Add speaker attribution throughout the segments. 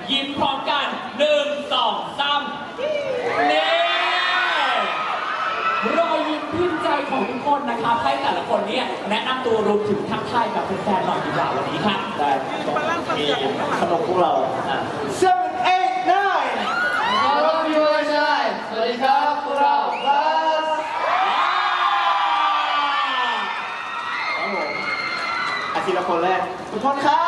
Speaker 1: ยิ้มพร้อมกัน1 2 3นี่รอยยิ้มพิมพ์ใจของทุกคนนะครับให้แต่ละคนเนี่ยแนะนำตัวรวมถึงทักทายกับแฟนๆหน่อยดีกว่าวันนี้ครับ
Speaker 2: ได้มีขนมพวกเรา7 8 9
Speaker 3: ครับพี่วายชัยสวัสดีครับพวกเราบัส
Speaker 2: ครับผมอาทิตย์ละคนแรกทุกคนครับ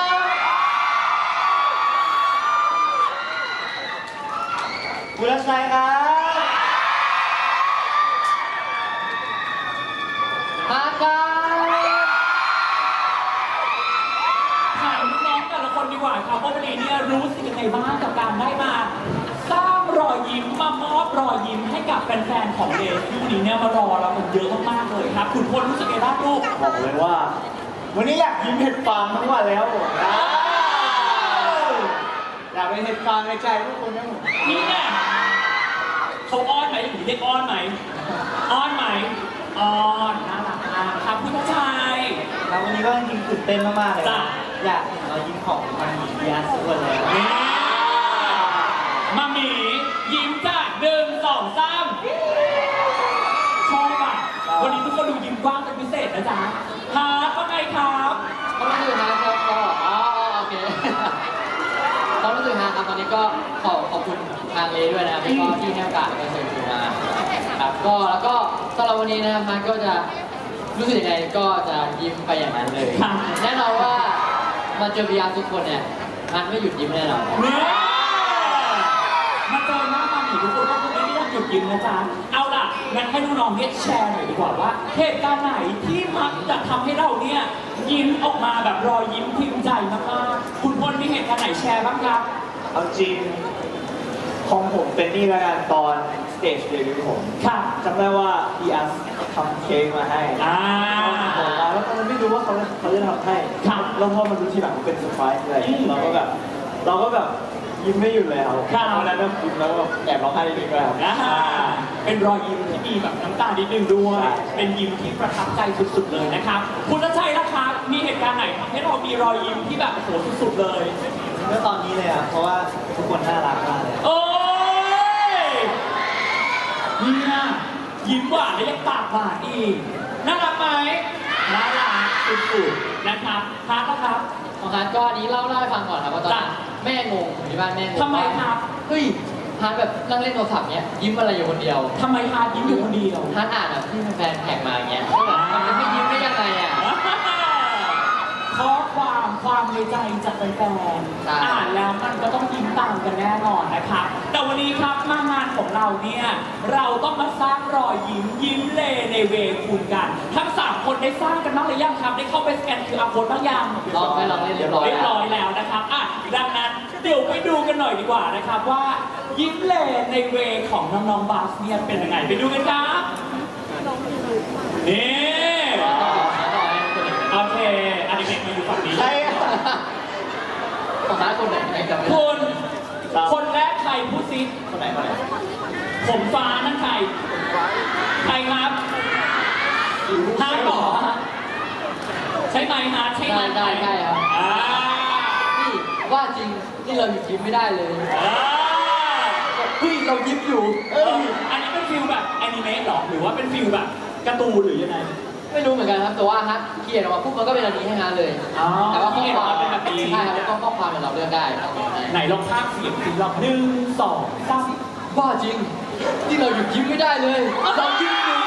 Speaker 2: บุรชัยครับ
Speaker 3: มาครับ
Speaker 1: ถามน้องๆแต่ละคนดีกว่าครับว่าวันนี้เนี่ยรู้สึกยังไงบ้างกับการได้มาสร้างรอยยิ้มมามอบรอยยิ้มให้กับแฟนๆของเดย์ที่วันนี้เนี่ยมารอเรากันเยอะมากๆเลยครับคุณพลรู้สึกยังไงบ้างลูก
Speaker 2: บอกเลยว่าวันนี้อยากยิ้มเห็ดฟางทั้งวันแล้วผมอยากเป็นเห็ดฟางในใจทุกคนนะผม
Speaker 1: นี่ไงเขาอ้อนไหมหรือเรียกอ้อนไหมอ้อนไหมอ้อนน่ารักมากครับคุณผู้ชาย
Speaker 2: แล้ววันนี้ก็จริงๆตื่นเต้นมากๆเลย
Speaker 1: จ้ะ
Speaker 2: อยากเห็นรอยยิ้มของมันมีเบียร์สุดเลย
Speaker 1: นี่มาหมียิ้มจ้ะ1 2 3ชอบอ่ะวันนี้ทุกคนดูยิ้มกว้างเป็นพิเศษนะจ๊ะฮาร์ดว่าไงครับ
Speaker 3: ความรู้สึกนะครับก็โอเคความรู้สึกนะครับตอนนี้ก็ขอบคุณทางเลด้วยนะครับแล้วก็ที่ให้โอกาสมาเชิญชวนมาครับก็แล้วก็สำหรับวันนี้นะครับมันก็จะรู้สึกยังไงก็จะยิ้มไปอย่างนั้นเลยแน่นอนว่ามาเจอพิยาทุกคนเนี่ยมันไม่หยุดยิ้มแน่นอน
Speaker 1: เนี่ยมาเจอหน้ามาหมีทุกคนก็คือไม่ได้หยุดยิ้มนะจ๊ะเอาล่ะงั้นให้น้องๆเนี่ยแชร์หน่อยดีกว่าว่าเหตุการณ์ไหนที่มักจะทำให้เราเนี่ยยิ้มออกมาแบบรอยยิ้มพิมพ์ใจมากๆคุณพลมีเหตุการณ์ไหนแชร์บ้างครับ
Speaker 2: เอาจริงของผมเป็นนี่ละกันตอนสเตจเดบิวต์ผม
Speaker 1: ค่ะ
Speaker 2: จำได้ว่าพี่อัสทำเค้กมาให้แล้วตอนนั้นไม่รู้ว่าเขาจะทำให้แล้วพอมาดูทีหลังมันเป็นเซอร์ไพรส์อะไรเราก็แบบยิ้มไม่หยุดเลยครับวันนั้นก็ยิ้มแล้วก็แอบร้องไห้นิดนึงด้วย
Speaker 1: เป็นรอยยิ้มที่มีแบบน้ำตานิดนึงด้วยเป็นยิ้มที่ประทับใจสุดๆเลยนะครับคุณชัยนะคะมีเหตุการณ์ไหนทำให้เรามีรอยยิ้มที่แบบโหสุดๆเลย
Speaker 2: เมื่อตอนนี้เลยอ่ะเพราะว่าทุกคนน่ารักมากเลย
Speaker 1: โอ้ยเนี่ยยิ้มหวานและยังปากหวานอีกน่ารักไหมน่ารักสุดๆนะครับฮาร์ดนะครับ
Speaker 3: ของฮาร์ดก็อันนี้เล่าให้ฟังก่อนครับว่าตอนแม่งงอยู่ที่บ้านแม่งง
Speaker 1: ทำไมครับ
Speaker 3: เฮ้ยฮาร์ดแบบนั่งเล่นโทรศัพท์เนี้ยยิ้มอะไรอยู่คนเดียว
Speaker 1: ทำไมฮาร์ดยิ้มอยู่คนเดียว
Speaker 3: ฮาร์ดอ่านแบบที่แฟนแท็กมาอย่างเงี้ยก็แบบมันจะไม่ยิ้มได้ยังไงอ่ะ
Speaker 1: ข้อความในใจจากแฟนๆอ่านแล้วมันก็ต้องยิ้มตามกันแน่นอนนะครับแต่วันนี้ครับมางานของเราเนี่ยเราต้องมาสร้างรอยยิ้มเลในเวคุณกันทั้ง3คนได้สร้างกันบ้างหรือยังครับได้เข้าไปสแกน QR Code บ้างยัง
Speaker 3: ลองเรียบร้อย
Speaker 1: แล้วนะครับอ่ะดังนั้นเดี๋ยวไปดูกันหน่อยดีกว่านะครับว่ายิ้มเลในเวของน้องๆบาสเนี่ยเป็นยังไงไปดูกันครับนี่โอเคอันนี้เป็นมาอยู่ฝั่งนี้
Speaker 2: ใช่
Speaker 3: ของฮาร์ดคนไหนจำไม่
Speaker 1: ได้คนแรกใครพูดซิ
Speaker 2: คนไหน
Speaker 1: ผมฟ้านั่นใครครับฮาร์ดหรอใช่ไหมฮาร์ดใช่ไหม
Speaker 3: ใช่ครับนี่ว่าจริงนี่เราหยุดยิ้มไม่ได้เลยเฮ้ยเรายิ้มอยู่
Speaker 1: อันนี้เป็นฟิลแบบแอนิเมะหรอหรือว่าเป็นฟิลแบบการ์ตูนหรือยังไง
Speaker 3: ไม่รู้เหมือนกันครับแต่ว่าฮะเขียนออกมาปุ๊บมันก็เป็นอันนี้ให้ฮะเลยแต่ว่าข้อความ
Speaker 1: เป็นแบบนี้
Speaker 3: ใช่ครับข้อความเราเลือกได้
Speaker 1: ไหนลองภาคเสียงสิลอง1 2 3
Speaker 3: ว่าจริงที่เราหยุดยิ้มไม่ได้เลยเรายิ้มอยู่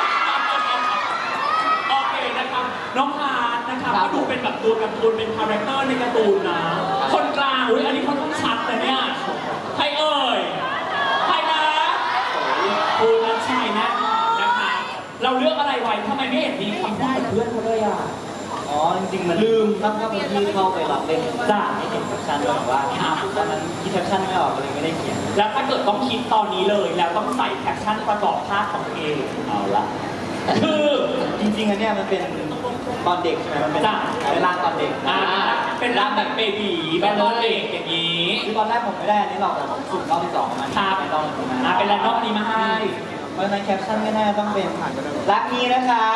Speaker 1: โอเคนะครับน้องฮาร์ดนะครับก็ดูเป็นแบบตัวการ์ตูนเป็นคาแรคเตอร์ในการ์ตูนนะคนกลางอันนี้เขาต้องชัดนะเนี่ยใครเอ่ยใครนะคุณนัชชัยนะนะคะเราเลือกอะไรไว้ทำไมไม่เห็นมีคำพูดกับเพื่อนเขาเลยอ่ะ
Speaker 2: อ๋อจริงๆมันลืมตั้งแต่ที่เข้าไปรับเล่น
Speaker 1: จ้า
Speaker 2: ไม่เห็นแคปชั่นด้วยว่าตอนนั้นคิดแคปชั่นไม่ออกเลยไม่ได้เขียน
Speaker 1: แล้วถ้าเกิดต้องคิดตอนนี้เลยแล้วต้องใส่แคปชั่นประกอบภาพของตัวเอง
Speaker 2: เอาละ
Speaker 1: คือ
Speaker 2: จริงๆอันเนี้ยมันเป็นตอนเด็กใช่ไหมมันเป็นร่างตอนเด็ก
Speaker 1: เป็นร่างแบบเบบีแบบตอนเด็กอย่างนี้
Speaker 2: คือตอนแรกผมไม่ได้อันนี้หรอกแต่ผมสุ่มรอบที่2มา
Speaker 1: เป็นรอบนี้เป็นรอบนี้มาให้
Speaker 2: เพราะในแคปชั่นไม่น่าต้องเป็นรักนี้นะคะ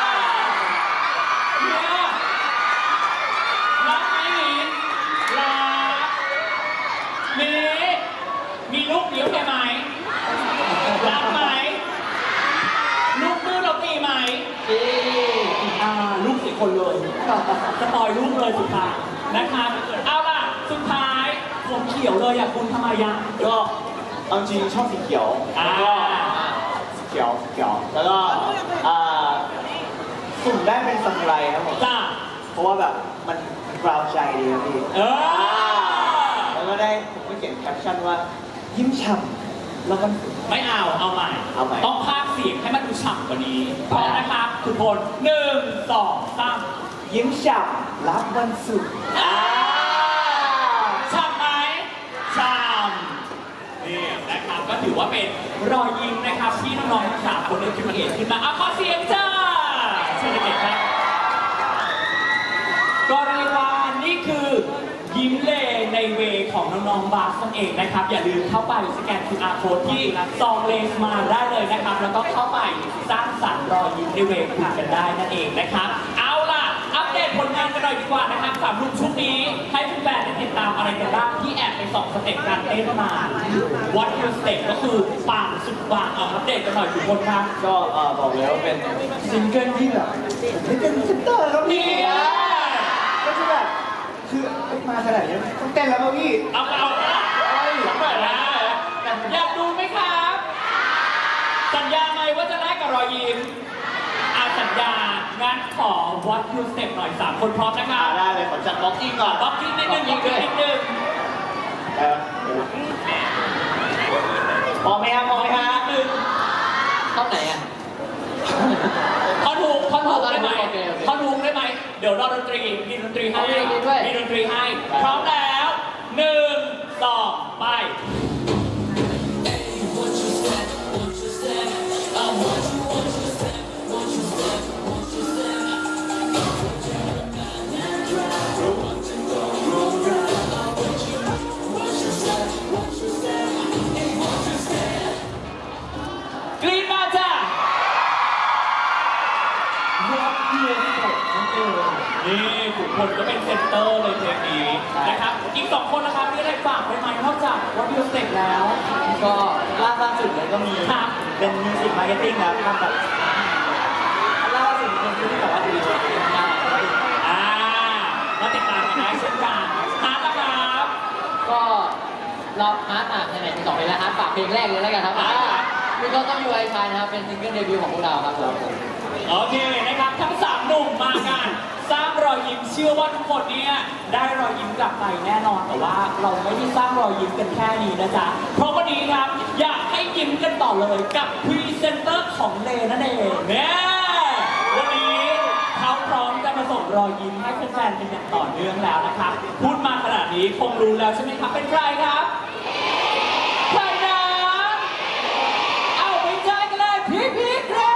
Speaker 1: รักนี้รักคนเลยสปอยลูกเลยสุดท้ายนะครับเอาล่ะสุดท้ายผมเขียวเลยอ่ะคุณทำไมอ่ะ
Speaker 2: ก็เอาจริงชอบสีเขียวแล้วก็สีเขียวแล้วก็สุ่มได้เป็นซามูไรครับผม
Speaker 1: จ้า
Speaker 2: เพราะว่าแบบมันกราวใจดีครับพี่ แล้วก็ได้ผมก็เขียนแคปชั่นว่ายิ้มฉ่ำแล้วมัน
Speaker 1: ไม่เอาใหม่
Speaker 2: เอาใหม่
Speaker 1: ต้องพากย์เสียงให้มันดูฉ่ำกว่านี้พร้อมนะครับทุกคน1 2 3
Speaker 2: ยิ้มฉ่ำรับวันศุกร์
Speaker 1: ฉ่ำไหมฉ่ำนี่นะครับก็ถือว่าเป็นรอยยิ้มนะครับที่น้องๆทั้งสามคนได้คิดเองขึ้นมาขอเสียงจ้าเชิญเด็กๆครับก็เรียกว่านี่คือยิ้มเลในเวของน้องๆบาสนั่นเองนะครับอย่าลืมเข้าไปสแกน QR Code ที่ซองเลนมาได้เลยนะครับแล้วก็เข้าไปสร้างสรรค์รอยยิ้มในเวคุณกันได้นั่นเองนะครับเอาล่ะอัปเดตผลงานกันหน่อยดีกว่านะครับสำหรับชุดนี้ให้แฟนๆได้ติดตามอะไรกันบ้างที่แอบไปส่องสเต็ปการเต้นมา What Your Step ก็คือปังสุดปังเอาอัปเดตกันหน่อยทุกคนครับ
Speaker 2: ก็บอกเลยว่าเป็นซิงเกิลที่แบบไม่เป็นเซนเตอร์ครับพี่ ก็จะแบบคือมาขนาดนี้ต้องเต้นแล้วป่ะพี่
Speaker 1: เอาหน่อยนะอยากดูไหมครับ สัญญาไหมว่าจะได้กับรอยยิ้มสัญญางั้นขอ What You Step หน่อย3 คนพร้อมนะครับ
Speaker 2: ได้เลยขอจัดบล็อกกิ้งก่อน
Speaker 1: บล็อกกิ้งนิดนึงนิดนึง
Speaker 2: มองไหมครับมองไหมครับ
Speaker 3: เข้าไหนอ่ะ
Speaker 1: ท่อนถูกได้ไหมท่อนถูกได้ไหมเดี๋ยวรอดนตรีมีดนตรีให้มีดนตรีให้พร้อมแล้ว1 2 ไป กรี๊ดมาจ้ะ
Speaker 2: What You Step นั่นเอง
Speaker 1: นี่ทุกคนก็เป็นเซนเตอร์เลยเพลงนี้นะครับ อีก2 คนนะครับมีอะไรฝากไปไหมนอกจาก What You Step แล้ว
Speaker 2: ก็ล่าสุดเลยก็มี
Speaker 1: ครับ
Speaker 2: เป็นมิวสิกมาร์เก็ตติ้งครับทำแบบล่าสุดเป็นที่แบบว่าดีเลย
Speaker 1: มาติดตามกันได้เช่นกันฮาร์ดนะครับ
Speaker 3: ก็เราฮาร์ดไหนๆมี2เพลงแล้วฮาร์ดฝากเพลงแรกเลยแล้วกันครับมีก็ต้องยูไอชายนะครับเป็นซิงเกิลเดบิวต์ของพวกเราครับผม
Speaker 1: โอเคนะครับทั้ง3 หนุ่มมากันสร้างรอยยิ้มเชื่อว่าทุกคนเนี่ยได้รอยยิ้มกลับไปแน่นอนแต่ว่าเราไม่ได้สร้างรอยยิ้มกันแค่นี้นะจ๊ะเพราะวันนี้ครับอยากให้ยิ้มกันต่อเลยกับพรีเซนเตอร์ของเลนั่นเองเนี่ยวันนี้เขาพร้อมจะมาส่งรอยยิ้มให้แฟนๆเป็นอย่างต่อเนื่องแล้วนะครับพูดมาขนาดนี้คงรู้แล้วใช่ไหมครับเป็นใครครับใครนะเอาไปเจอกันเลยพี่ครับ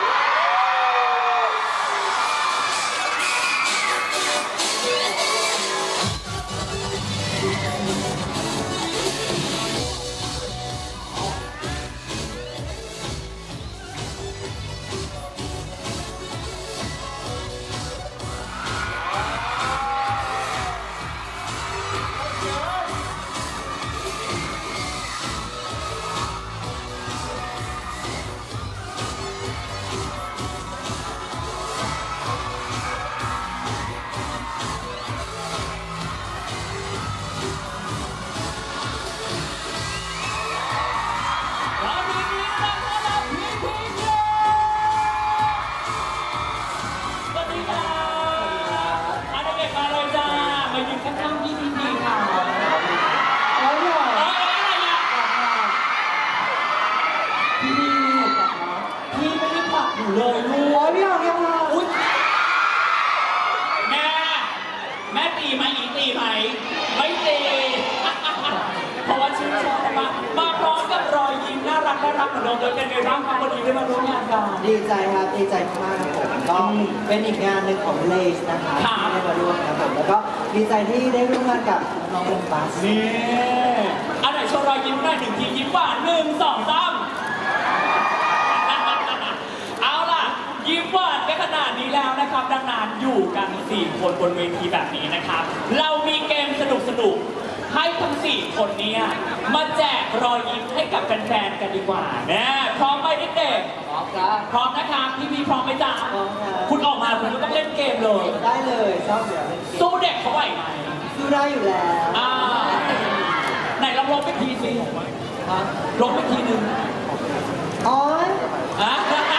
Speaker 1: เลยรู้ว่าพี่เอาเนี่ยมาอุ๊ยแม่ตีไหมอีตีไหมไม่ตี เพราะว่าชื่นชอบมาพร้อมกับรอยยิ้มน่ารักเหมือนเดิมเลยเป็นไงบ้างครับวันนี้ได้มาร่วมงานกัน
Speaker 2: ดีใจครับดีใจมากครับผมก็เป็นอีกงานหนึ่งของเลสนะคะที่ได้มาร่วมครับผมแล้วก็ดีใจที่ได้ร่วมงานกับน้องวงบัส
Speaker 1: นี่อันไหนโชว์รอยยิ้มหน่อย1 ทียิ้มหวาน1 2 3เอาล่ะยิ้มหวานไปขนาดนี้แล้วนะครับดังนั้นอยู่กัน4 คนบนเวทีแบบนี้นะครับเรามีเกมสนุกให้ทั้ง4 คนเนี้มาแจกรอยยิ้มให้กับแฟนๆกันดีกว่านะพร้อมไหมเด็ก
Speaker 3: พร้อมครับ
Speaker 1: ๆพร้อมนะครับพี่พร้อมไหมจ๊ะ
Speaker 2: พร้อมครับ
Speaker 1: คุณออกมาคุณก็ต้องเล่นเกมเลย
Speaker 2: ได้เลยชอบเดี๋ยวเล่นเกม
Speaker 1: สู้เด็กเขาไหวไหม
Speaker 2: สู้ได้อยู่แล้ว
Speaker 1: อ่าไหนลองลบไปทีสิ
Speaker 2: ฮะ
Speaker 1: ลบไปทีหนึ่ง
Speaker 2: อ๋อ
Speaker 1: อ่ะ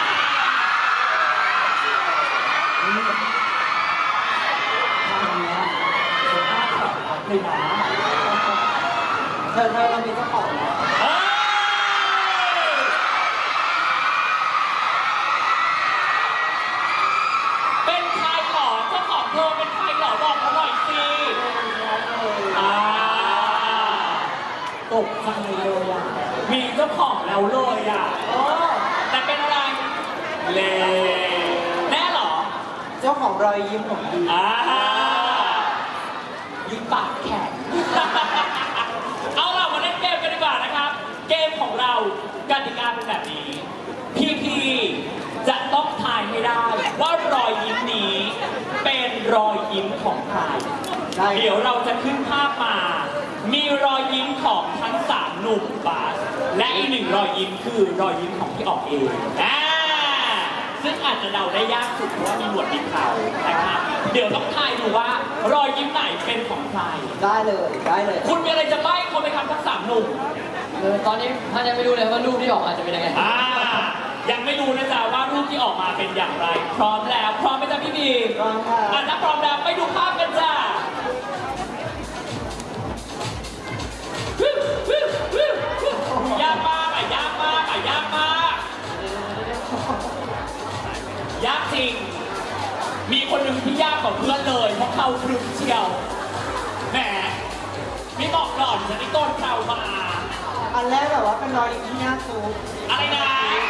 Speaker 1: เลยนะ
Speaker 2: เธอเรามีเจ้าของแล้ว
Speaker 1: เอ้ยเป็นใครหรอเจ้าของเธอเป็นใครหรอบอกมาหน่อยสิอ่าตกใจเลยอ่ะมีเจ้าของแล้วเลยอ่ะ
Speaker 2: โอ้
Speaker 1: แต่เป็นอะไรเลแน่เหรอ
Speaker 2: เจ้าของรอยยิ้มของดี
Speaker 1: ยิ้มปากแข็ง เอาล่ะมาเล่นเกมกันดีกว่านะครับ เกมของเรากติกาเป็นแบบนี้ พี่จะต้องทายให้ได้ว่ารอยยิ้มนี้เป็นรอยยิ้มของใคร
Speaker 2: ได้
Speaker 1: เดี๋ยวเราจะขึ้นภาพมา มีรอยยิ้มของทั้ง3 หนุ่มบาสและอีก1 รอยยิ้มคือรอยยิ้มของพี่ออกเองซึ่งอาจจะเดาได้ยากสุดเพราะว่ามีหนวดมีเขานะครับ เดี๋ยวต้องทายดูว่ารอยยิ้มไหนเป็นของใคร
Speaker 2: ได้เลยได้เลย
Speaker 1: คุณมีอะไรจะใบ้เขาไหมครับทั้ง3 หนุ่ม
Speaker 3: ตอนนี้ท่านยังไม่รู้เลยว่ารูปที่ออกมาจะเป็นยังไง
Speaker 1: ยังไม่รู้นะจ๊ะว่ารูปที่ออกมาเป็นอย่างไร พร้อมแล้วพร้อมไหมจ๊ะพี่บี
Speaker 2: พร้อมค่ะ
Speaker 1: ถ้าพร้อมแล้วไปดูภาพกันจ้ะยากมากอ่ะยากมากอ่ะยากมากยากจริง มีคนหนึ่งที่ยากกว่าเพื่อนเลยเพราะเขาพรึกเชียวแหมไม่บอกก่อนจะได้ต้นเรามา
Speaker 2: อันแรกแบบว่าเป็นรอยยิ้มที่หน้าซูป
Speaker 1: อะไรนะ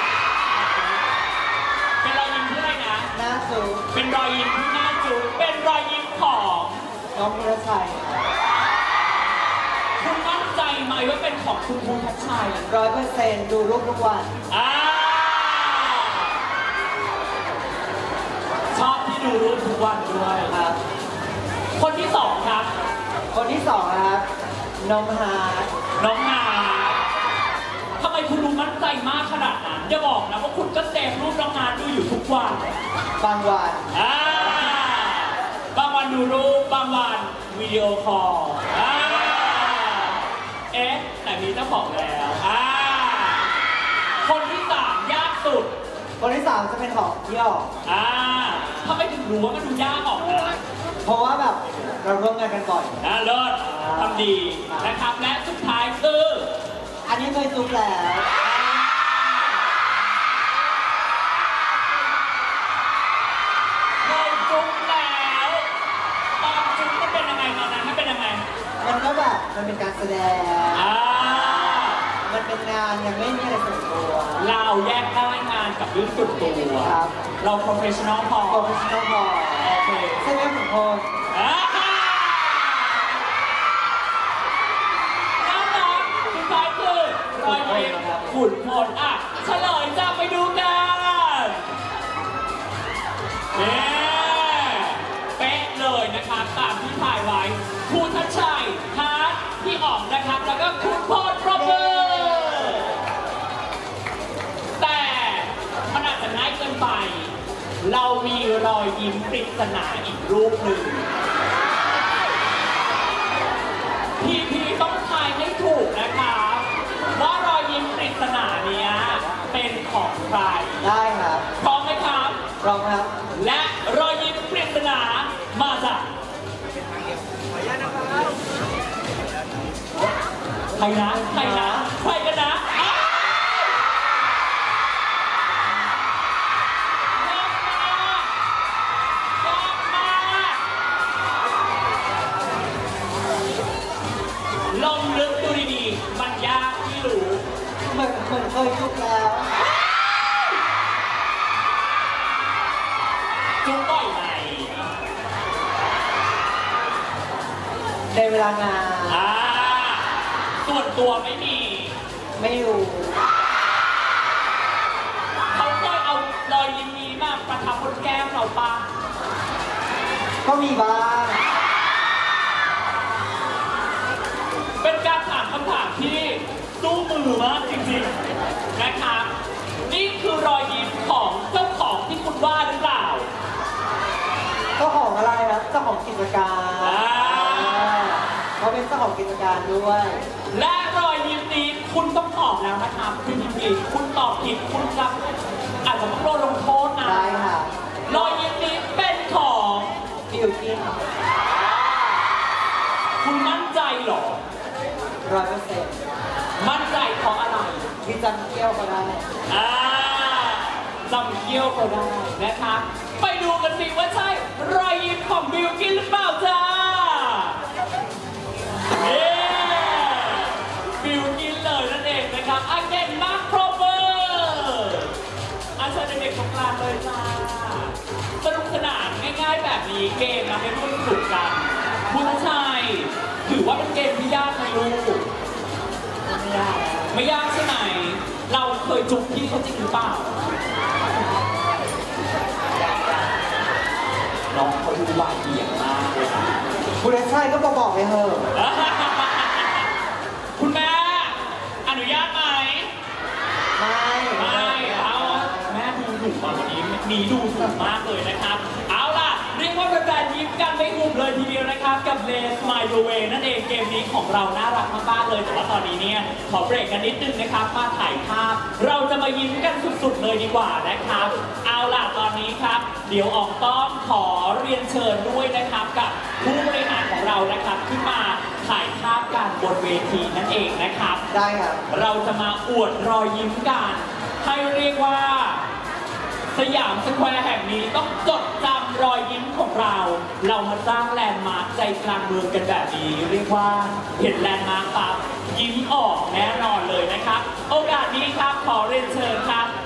Speaker 1: เป็นรอยยิ้มที่อะไรนะ
Speaker 2: หน้าซูป
Speaker 1: เป็นรอยยิ้มที่หน้าจูบเป็นรอยยิ้มของ
Speaker 2: น้องพิรชัย
Speaker 1: คุณมั่นใจไหมว่าเป็นของคุณภูทัชชัย
Speaker 2: 100%ดูรูปทุกวัน
Speaker 1: ชอบที่ดูรูปทุกวันด้วย
Speaker 2: ครับ
Speaker 1: คนที่สองครับ
Speaker 2: คนที่สองนะครับน้องฮาร์ด
Speaker 1: น้องนาทำไมคุณดูมั่นใจมากขนาดนั้นอย่าบอกนะว่าคุณก็เซฟรูปน้องนาดูอยู่ทุกวัน
Speaker 2: บางวัน
Speaker 1: บางวันดูรูปบางวันวิดีโอคอลเอ๊ะแต่มีเจ้าของแล้วคนที่สามยากสุด
Speaker 2: คนที่สามจะเป็นของพี่ออก
Speaker 1: ทำไมถึงรู้ว่ามันดูยากออกนะ
Speaker 2: เพราะว่าแบบเราร่วมงานกันบ่อย
Speaker 1: เลิศทำดีนะครับและสุดท้ายคือ
Speaker 2: อันนี้เคยซุปแล้ว
Speaker 1: เคยจุ๊บแล้วตอนจุ๊บมันเป็นยังไงตอนนั้นมันเป็นยังไง
Speaker 2: มันก็แบบมันเป็นการแสดง
Speaker 1: อ่า
Speaker 2: มันเป็นงานยังไม่มีอะไรส่วนตัว
Speaker 1: เราแยกได้งานกับเรื่องส่วนตัว
Speaker 2: ครับ
Speaker 1: เรา professional พอ
Speaker 2: โปรเฟชชั่นอลพอ
Speaker 1: โอเค
Speaker 2: ใช่ไหมผมพล
Speaker 1: อ่าน่ารักสุดท้ายคือรอยยิ้มขุนพลเฉลยจะไปดูกันเป๊ะเลยนะครับตามที่ถ่ายไว้ภูทัชชัยฮาร์ดพี่อ๋องนะครับแล้วก็คุณพลปรบมือแต่มันอาจจะง่ายเกินไป เรามีรอยยิ้มปริศนาอีกรูปหนึ่งพี่ต้องทายให้ถูกนะครับว่ารอยยิ้มปริศนาเนี้ยเป็นของใคร
Speaker 2: ได้ครับ
Speaker 1: พร้อมไหมครับ
Speaker 2: พร้อมครับ
Speaker 1: และรอยยิ้มปริศนามาจากใครนะใครนะใครกันนะอ้าวยากมากยากมากลองนึกดูดีๆมันยากที่รู้
Speaker 2: เหมือนเคยซุปแล้ว
Speaker 1: จุ๊บบ่อยไหม
Speaker 2: ในเวลางาน
Speaker 1: ส่วนตัวไม่มี
Speaker 2: ไม่อยู่
Speaker 1: เขาเคยเอารอยยิ้มนี้มาประทับบนแก้มเราปะ
Speaker 2: ก็มีบ้าง
Speaker 1: ที่สู้มือมากจริงๆนะครับนี่คือรอยยิ้มของเจ้าของที่คุณว่าหรือเปล่า
Speaker 4: เจ้าของอะไรครับเจ้าของกิจการ
Speaker 1: อ่า
Speaker 4: เขาเป็นเจ้าของกิจการด้วย
Speaker 1: และรอยยิ้มนี้คุณต้องตอบแล้วนะครับคุณยิมผิดคุณตอบผิดคุณจะอาจจะต้องโดนลงโทษนะ
Speaker 4: ได้ค่ะ
Speaker 1: รอยยิ้มนี้เป็นของ
Speaker 4: บิวกิ้น
Speaker 1: คุณมั่นใจเหรอ
Speaker 4: 100%
Speaker 1: มั่นใจเพราะอะไร
Speaker 4: ที่จำเที่ยวก็ได้
Speaker 1: อ่าจำเคี้ยวก็ได้นะคะไปดูกันสิว่าใช่รอยยิ้มของบิลกินหรือเปล่าจ้าเย้บิลกินเลยนั่นเองนะครับอาเกนมาร์คโครเวอร์อาเชิญเด็กๆตรงกลางเลยจ้าสนุกสนานง่ายๆแบบนี้เกมมาให้ร่วมสนุกกันคุณชัยถือว่าเป็นเกมที่ยากไหมลูก
Speaker 4: ไม่ยาก
Speaker 1: ไม่ยากใช่ไหม เราเคยจุกพี่เขาจริงหรือเปล่า น้องเขาดูหวานเหี่ยมมากเลยค่ะ
Speaker 4: คุณชายก็บอกไปเถอะ
Speaker 1: คุณแม่ อนุญาตไหม
Speaker 4: ไม่
Speaker 1: ไม่เอาแม่ดูถูกกว่าวันนี้มีดูถูกมากเลยนะครับ เอาล่ะ เรียกว่าเป็นแฟนยิ้มกันไม่หุบเลยทีเดียวนะครับ กับเลสไมล์เวนั่นเองเกมนี้ของเราน่ารักมากๆเลย แต่ว่าตอนนี้เนี่ยขอเบรกกันนิดนึงนะครับ มาถ่ายภาพ เราจะมายิ้มกันสุดๆเลยดีกว่านะครับ เอาล่ะตอนนี้ครับ เดี๋ยวออกต้องขอเรียนเชิญด้วยนะครับกับผู้บริหารของเรานะครับขึ้นมาถ่ายภาพกันบนเวทีนั่นเองนะครับ
Speaker 4: ได้ครับ
Speaker 1: เราจะมาอวดรอยยิ้มกันให้เรียกว่า สยามสแควร์แห่งนี้ต้องจดจำรอยยิ้มของเรา เรามาสร้างแลนด์มาร์คใจกลางเมืองกันแบบนี้เรียกว่าเห็นแลนด์มาร์คปั๊บยิ้มออกแน่นอนเลยนะครับ โอกาสนี้ครับขอเรียนเชิญครับ